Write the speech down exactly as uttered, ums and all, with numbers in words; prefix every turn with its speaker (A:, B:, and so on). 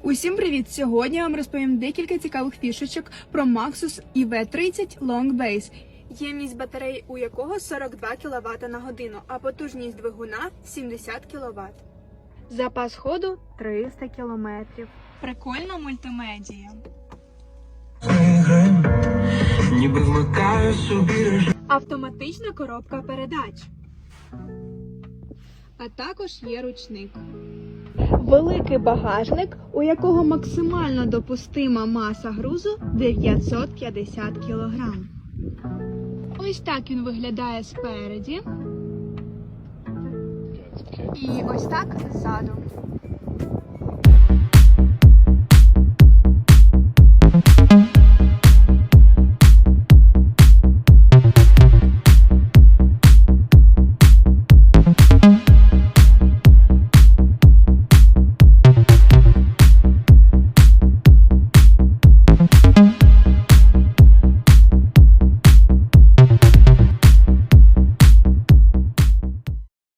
A: Усім привіт! Сьогодні я вам розповім декілька цікавих фішечок про Maxus і ве тридцять Long Base, ємність батареї у якого сорок два кіловата на годину, а потужність двигуна сімдесят кіловат. Запас ходу триста кілометрів. Прикольна мультимедія.
B: Ніби вмикаю собі режим.
A: Автоматична коробка передач. А також є ручник. Великий багажник, у якого максимально допустима маса грузу дев'ятсот п'ятдесят кілограм. Ось так він виглядає спереді. І ось так ззаду.